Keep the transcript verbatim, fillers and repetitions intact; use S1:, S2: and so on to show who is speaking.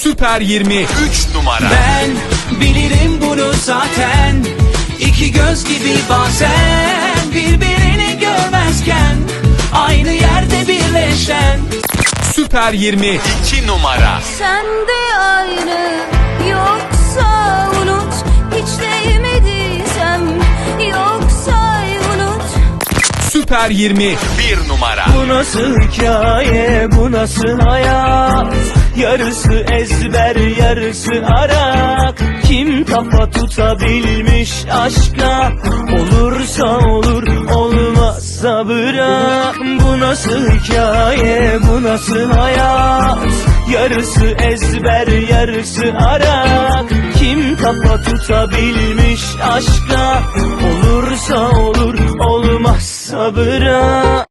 S1: Süper yirmi üç numara.
S2: Ben bilirim bunu zaten. İki göz gibi bazen birbirini görmezken aynı yerde birleşen.
S1: Süper yirmi iki numara.
S3: Sen de aynı yoksa unut, hiç değmediysem yoksa unut.
S1: Süper yirmi bir numara.
S2: Bu nasıl hikaye, bu nasıl hayat? Yarısı ezber, yarısı arak. Kim kafa tutabilmiş aşka? Olursa olur, olmazsa bırak. Bu nasıl hikaye, bu nasıl hayat? Yarısı ezber, yarısı arak. Kim kafa tutabilmiş aşka? Olursa olur, olmazsa bırak.